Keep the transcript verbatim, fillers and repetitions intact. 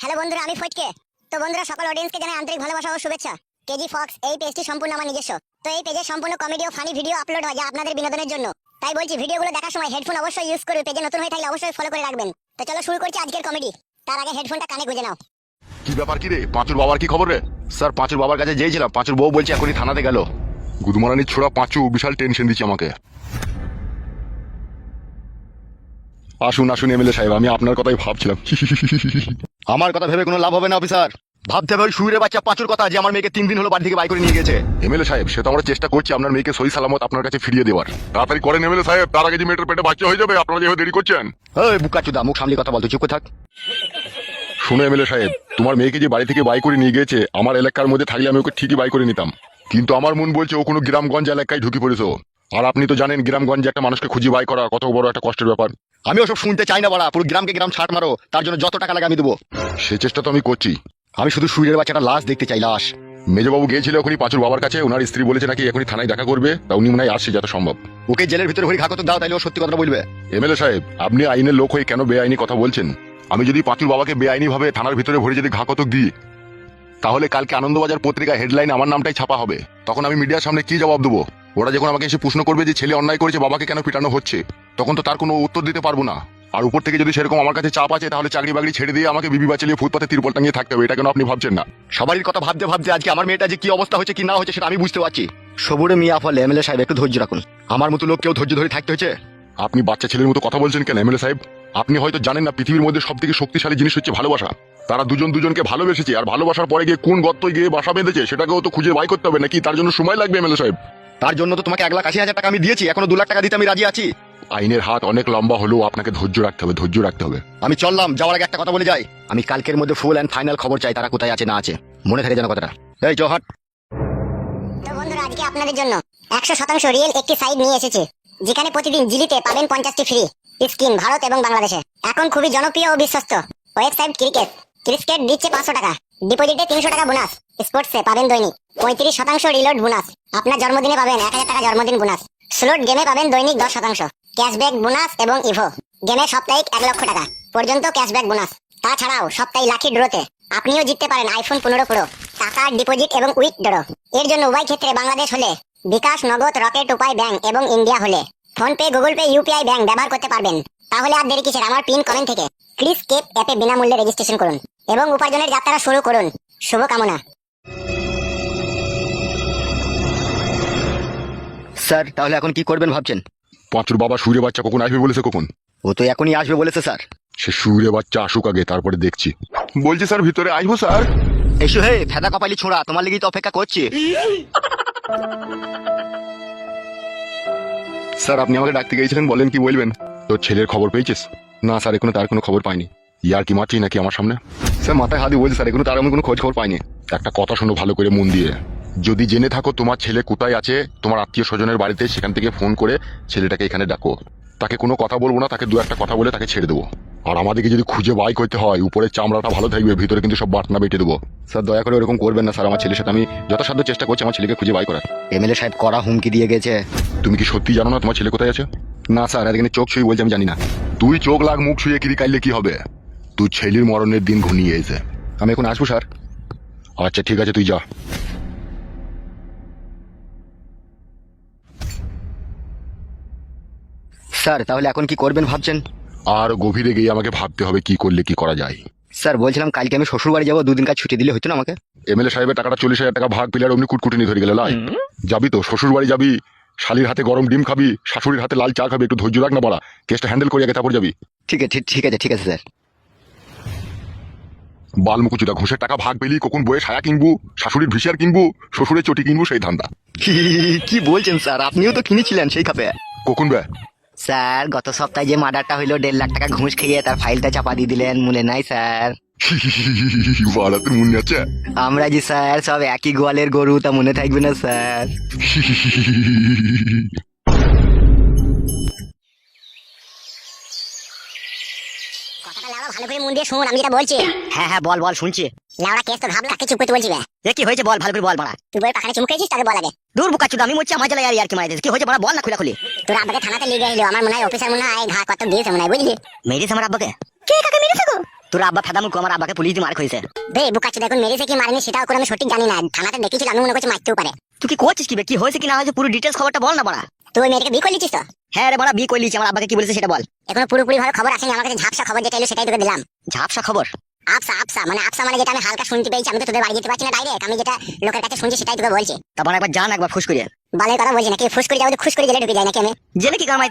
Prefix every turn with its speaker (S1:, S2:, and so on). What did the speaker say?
S1: Hello বন্ধুরা, আমি ফটকে। তো বন্ধুরা, সকল অডিয়েন্সকে জানাই আন্তরিক ভালোবাসা ও শুভেচ্ছা। কেজি ফক্স এই পেজটি সম্পূর্ণ আমার নিজস্ব। তো এই পেজে সম্পূর্ণ কমেডি ও ফানি ভিডিও আপলোড হয় যা আপনাদের বিনোদনের জন্য। তাই বলছি, ভিডিওগুলো দেখার সময় হেডফোন অবশ্যই ইউজ করবে। পেজে নতুন হয়ে থাকলে অবশ্যই ফলো করে রাখবেন। তো চলো শুরু করছি আজকের কমেডি। তার আগে হেডফোনটা কানে গুঁজে নাও।
S2: কি ব্যাপার কি রে? পাঁচুর বাবার কি খবর রে? স্যার, পাঁচুর বাবার কাছে যেয়েছিলাম, পাঁচুর বউ বলছে এখনই থানাতে গেল। গুদমারানির ছোড়া পাঁচু বিশাল টেনশন দিচ্ছে আমাকে। আসুন আসুন এমএলএ সাহেব, আমি আপনার কথাই ভাবছিলাম। আমার কথা ভেবে কোনো লাভ হবে না অফিসার। ভাবতে হবে ওই শুইরে বাচ্চা পাঁচুর কথা, যে আমার মেয়েকে তিন দিন হলো বাড়ি থেকে বাই করে নিয়ে গেছে। এমএলএ সাহেব, সে তো আমরা চেষ্টা করছি আপনার মেয়েকে সহি সালামত আপনার কাছে ফিরিয়ে দেওয়ার। তাড়াতাড়ি করেন এমএলএ সাহেব, তার আগে যে মেয়েটার পেটে বাচ্চা হয়ে যাবে। আপনারা যেভাবে দেরি করছেন। ওই বুকাচুদা, মুখ সামনে কথা বলতে চুপ করে থাক। শুনো এমএলএ সাহেব, তোমার মেয়েকে যে বাড়ি থেকে বাই করে নিয়ে গেছে, আমার এলাকার মধ্যে থাকলে আমি ওকে ঠিকই বাই করে নিতাম। কিন্তু আমার মন বলছে ও কোনো গ্রামগঞ্জ এলাকায় ঢুকে পড়েছো। আর আপনি তো জানেন গ্রামগঞ্জে একটা মানুষকে খুঁজে বাই করা কত বড় একটা কষ্টের ব্যাপার। আমি ওসব শুনতে চাই না বাড়া। পুরো গ্রামকে গ্রাম ছাট মারো, তার জন্য যত টাকা লাগে আমি দেবো। সে চেষ্টা তো আমি করছি। আমি শুধু সুইরের বাচ্চাটা লাশ দেখতে চাই, লাশ। মেজবাবু গিয়েছিল ওখানে পাঁচুর বাবার কাছে, ওনার স্ত্রী বলেছে নাকি এখনই থানায় দেখা করবে। তা উনি মনে হয় আসছে যত সম্ভব। ওকে জেলের ভিতরে হরি ঘাকত দাও, তাইলে ও সত্যি কথা বলবে। এমএলএ সাহেব, আপনি আইনের লোক হয়ে কেন বেআইনি কথা বলছেন? আমি যদি পাঁচুর বাবাকে বেআইনি ভাবে থানার ভিতরে ভরে যদি ঘাকতক দিই, তাহলে কালকে আনন্দবাজার পত্রিকা হেডলাইন আমার নামটাই ছাপা হবে। তখন আমি মিডিয়ার সামনে কি জবাব দেবো? ওরা যখন আমাকে এসে প্রশ্ন করবে যে ছেলে অন্যায় করেছে, বাবাকে কেন পিটানো হচ্ছে, তখন তো তার কোনো উত্তর দিতে পারবো না। আর উপর থেকে যদি সেরকম আমার কাছে চাপ আছে, তাহলে চাকরি বাকরি ছেড়ে দিয়ে আমাকে বিবি বাঁচিয়ে ফুটপাতে তিরপল টাঙিয়ে থাকতে হবে। এটা কেন আপনি ভাবছেন না? সবারই কথা ভাবতে ভাবতে আজকে আমার মেয়েটা যে কি অবস্থা হচ্ছে কি না হচ্ছে সেটা আমি বুঝতে পারছি। সবুরে মিয়া ফলে এমএলএ সাহেব একটু ধৈর্য রাখুন। আমার মতো লোক কেউ ধৈর্য ধরে থাকতে হচ্ছে? আপনি বাচ্চা ছেলের মতো কথা বলছেন কেন এমএলএ সাহেব? আপনি হয়তো জানেন না পৃথিবীর মধ্যে সব থেকে শক্তিশালী জিনিস হচ্ছে ভালোবাসা। তারা দুজন দুজনকে ভালোবেসেছে, আর ভালোবাসার পরে গিয়ে কোন গর্তয় গিয়ে বাসা বেঁধেছে সেটাকেও তো খুঁজে বাই করতে হবে নাকি? তার জন্য সময় লাগবে এমএলএ সাহেব। তার জন্য তো তোমাকে এক লাখ আশি হাজার টাকা আমি দিয়েছি, এখনো দু লাখ টাকা দিতে আমি রাজি আছি। আইনের হাত অনেক লম্বা হলেও আপনাকে ধৈর্য রাখতে হবে, ধৈর্য রাখতে হবে। আমি চললাম, যাওয়ার আগে একটা কথা বলে যাই। আমি কালকের মধ্যে ফুল অ্যান্ড ফাইনাল খবর চাই, তারা কোথায় আছে না আছে। মনে থাকে যেন কথাটা। এই জহাট।
S1: তো বন্ধুরা, আজকে আপনাদের জন্য একশো শতাংশ রিয়েল একটি সাইট নিয়ে এসেছে, যেখানে প্রতিদিন জিলিতে পাবেন পঞ্চাশটি ফ্রি স্কিন ভারত এবং বাংলাদেশে। এখন খুবই জনপ্রিয় ও বিশ্বস্ত ওয়েবসাইট ক্রিকেট। ক্রিকেট দিচ্ছে পাঁচশো টাকা, ডিপোজিটে তিনশো টাকা বোনাস। স্পোর্টসে পাবেন দৈনিক পঁয়ত্রিশ শতাংশ রিলোড বোনাস। আপনার জন্মদিনে পাবেন এক হাজার টাকা জন্মদিন বোনাস। স্লোট গেমে পাবেন দৈনিক দশ শতাংশ ক্যাশব্যাক বোনাস এবং ইভো গেমে সাপ্তাহিক এক লক্ষ টাকা পর্যন্ত ক্যাশব্যাক বোনাস। তাছাড়াও সপ্তাহে লাকি ড্রোতে আপনিও জিততে পারেন আইফোন পনেরো প্রো। টাকা ডিপোজিট এবং উইথড্র এর জন্য উভয় ক্ষেত্রে বাংলাদেশ হলে বিকাশ, নগদ, রকেট, উপায় ব্যাংক এবং ইন্ডিয়া হলে PhonePe, Google Pay, UPI bank ব্যবহার করতে পারবেন। তাহলে আর দেরি কিসের? আমার পিন কমেন্ট থেকে ক্রিস কেপ অ্যাপে বিনামূল্যে রেজিস্ট্রেশন করুন এবং উপার্জনের যাত্রা শুরু করুন। শুভকামনা।
S3: স্যার, তাহলে এখন কি করবেন ভাবছেন?
S2: পাঁচুর বাবা সুইরে বাচ্চা কখন আসবে বলেছে? কখন?
S3: ও তো এখনই আসবে বলেছে স্যার।
S2: সে সুইরে বাচ্চা আসুক আগে, তারপরে দেখছি। বলছি স্যার, ভিতরে আসবো স্যার?
S3: এসো হে ফেদা কপালি ছোঁড়া, তোমার লেগেই তো অপেক্ষা করছি।
S2: স্যার, আপনি আমাকে ডাকতে গিয়েছিলেন, বলেন কি বলবেন? তোর ছেলের খবর পেয়েছিস? না স্যার, এখনো তার কোনো খবর পাইনি। ইয়ার কি মারছি নাকি আমার সামনে? স্যার মাথায় হাত দিয়ে বলছি স্যার, এখনো তার আমি কোনো খোঁজ খবর পাইনি। একটা কথা শোনো ভালো করে মন দিয়ে। যদি জেনে থাকো তোমার ছেলে কোথায় আছে, তোমার আত্মীয় স্বজনের বাড়িতে, সেখান থেকে ফোন করে ছেলেটাকে এখানে ডাকো। তাকে কোনো কথা বলবো না, তাকে দু একটা কথা বলে তাকে ছেড়ে দেবো। আর আমাদেরকে যদি খুঁজে বাই করতে হয়, উপরের চামড়াটা ভালো থাকবে, ভিতরে কিন্তু সব বাটনা বেটে দেবো। স্যার দয়া করে ওরকম করবেন না স্যার। আমার ছেলের সাথে আমি যথাসাধ্য চেষ্টা করছি আমার ছেলেকে খুঁজে বাই করার।
S3: এমএলএ সাহেব কড়া হুমকি দিয়ে গেছে।
S2: তুমি কি সত্যি জানো না তোমার ছেলে কোথায় আছে? না স্যার, এখানে চোখ ছুঁয়ে বলছি আমি জানি না। তুই চোখ লাগ, মুখ ছুঁয়ে কিরি কাইলে কি হবে? তুই ছেলের মরণের দিন ঘনিয়ে এসে। আমি এখন আসবো স্যার? আচ্ছা ঠিক আছে, তুই যা।
S3: স্যার, তাহলে এখন কি করবেন ভাবছেন?
S2: আর গভীরে গিয়ে আমাকে ভাবতে হবে কি করলে কি করা যায়।
S3: স্যার বলছিলাম, কালকে আমি শ্বশুর বাড়ি যাবো, দুদিন কাজ ছুটি দিলে হতো না আমাকে?
S2: এমএলএ সাহেবের টাকাটা চল্লিশ হাজার টাকা ভাগ পিলার অমনি কুটকুটি ধরে গেলে লাই। যাবি তো শ্বশুর বাড়ি যাবি, শালির হাতে গরম ডিম খাবি, শাশুড়ির হাতে লাল চা খাবি। একটু ধৈর্য রাখ না বড়া, কেসটা হ্যান্ডেল করে আগে তারপর যাবি।
S3: ঠিক আছে ঠিক আছে ঠিক আছে স্যার।
S2: বালমুকুচুদা, ঘুষের টাকা ভাগ পেলি কখন বয়ে সায়া কিনবো, শাশুড়ির ভিসিয়ার কিনবো, শ্বশুরের চটি কিনবো, সেই ধান্দা।
S3: কি বলছেন স্যার? আপনিও তো কিনেছিলেন সেই খাপে।
S2: কখন বে?
S3: স্যার গত সপ্তাহে যে মার্ডারটা হইলো, দেড় লাখ টাকা ঘুষ খেয়ে তার ফাইলটা চাপা দিয়ে দিলেন, মনে নাই স্যার?
S2: বাড়া, তোর মনে আছে?
S3: আমরা যে স্যার সব একই গোয়ালের গরু, তা মনে থাকবে না স্যার?
S1: কথাটা লাউড়া ভালো করে মন দিয়ে শুনুন, আমি যেটা বলছি।
S3: হ্যাঁ হ্যাঁ বল বল, শুনছি।
S1: লাউড়া কেস তো ভাবলা, কাকে চুপ করতে বলছি?
S3: এ কি হয়েছে বল, ভালো করে বল মারা।
S1: তুই বই পাখানে চুমুকেছিস, তাকে বল আগে।
S3: দূর বুকা চুদা, আমি মরছি আমার জ্বালায় আর কি মারাইছিস। কি হয়েছে বড়, বল না খুলে খুলি।
S1: তোর আব্বাকে থানাতে লিয়ে গেল, আমার মনে হয় অফিসার মনে হয় ঘা কত দিয়েছে মনে হয়, বুঝলি?
S3: মেরেছে আমার আব্বাকে?
S1: কে কাকে মেরেছে গো?
S3: তোর আব্বা ফেদামুকু আমার আব্বাকে পুলিশ দিয়ে মার খাইছে।
S1: বে বুকাচ্ছে দেখুন মেরেছে কি মারেনি সেটাও করে আমি সঠিক জানি না, থানাতে দেখেছিল আমি মনে করছি মারতেও পারে।
S3: তুই কি করছিস কি বে? কি হয়েছে কি না হয়েছে পুরো ডিটেলস খবরটা বল না বড়া।
S1: তুই ওই মেয়েটাকে বিয়ে করে নিচ্ছিস তো?
S3: হ্যাঁ রে বড়া, বিয়ে করে লিছি। আমার আব্বাকে কি বলেছে সেটা বল।
S1: এখনো পুরোপুরি ভাবে খবর আসেনি আমার কাছে, ঝাপসা খবর যেটা এলো সেটাই তোকে দিলাম।
S3: ঝাপসা খবর?
S1: আফসা আফসা মানে আফসা মানে যেটা আমি হালকা শুনতে পেয়েছি, আমি তো তোদের বাড়ি যেতে পারছি না ডাইরেক্ট, আমি যেটা লোকের কাছে শুনছি সেটাই তোকে বলছি।
S3: তারপর একবার জান একবার ফুস করিয়ে।
S1: বালের কথা বলছি নাকি, ফুস করে যাবো তো খুশ করে জেলে ঢুকে যায় নাকি আমি?
S3: জেলে কি কামাই